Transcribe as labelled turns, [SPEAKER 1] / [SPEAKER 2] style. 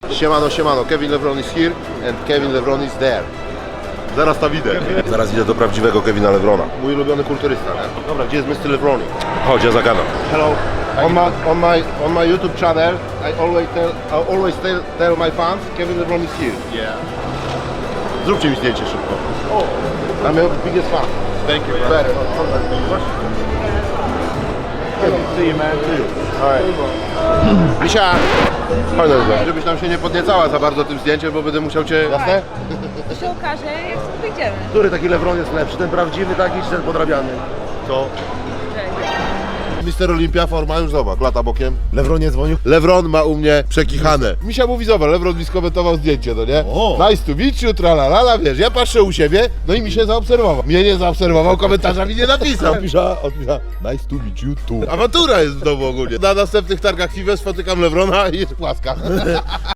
[SPEAKER 1] Siemano, siemano, Kevin Levron is here and Kevin Levron is there. Zaraz tam idę. Zaraz idę do prawdziwego Kevina Levrona. Mój ulubiony kulturysta, nie? Dobra, gdzie jest Mr. Levroni? Chodź, ja zagadam. Hello. On my YouTube channel, I always tell my fans, Kevin Levron is here.
[SPEAKER 2] Yeah.
[SPEAKER 1] Zróbcie mi zdjęcie szybko. I'm your biggest fan.
[SPEAKER 2] Thank you.
[SPEAKER 1] Very.
[SPEAKER 2] See you, man. See you.
[SPEAKER 1] Misia! Chodź, żebyś tam się nie podniecała za bardzo tym zdjęciem, bo będę musiał cię... Jasne?
[SPEAKER 3] To się okaże, jak sobie wyjdziemy.
[SPEAKER 1] Który taki Levron jest lepszy? Ten prawdziwy taki czy ten podrabiany? Co? Mister Olympia, forma już zobacz, lata bokiem. Levron nie dzwonił? Levron ma u mnie przekichane. Misia mówi, zobacz, Levron mi skomentował zdjęcie, no nie?
[SPEAKER 2] O!
[SPEAKER 1] Nice to meet you, tralalala, wiesz, ja patrzę u siebie, no i mi się zaobserwował. Mnie nie zaobserwował, komentarza mi nie napisał. Odpisza, nice to meet you too. Awantura jest w domu ogólnie. Na następnych targach FIWE spotykam Levrona i jest płaska.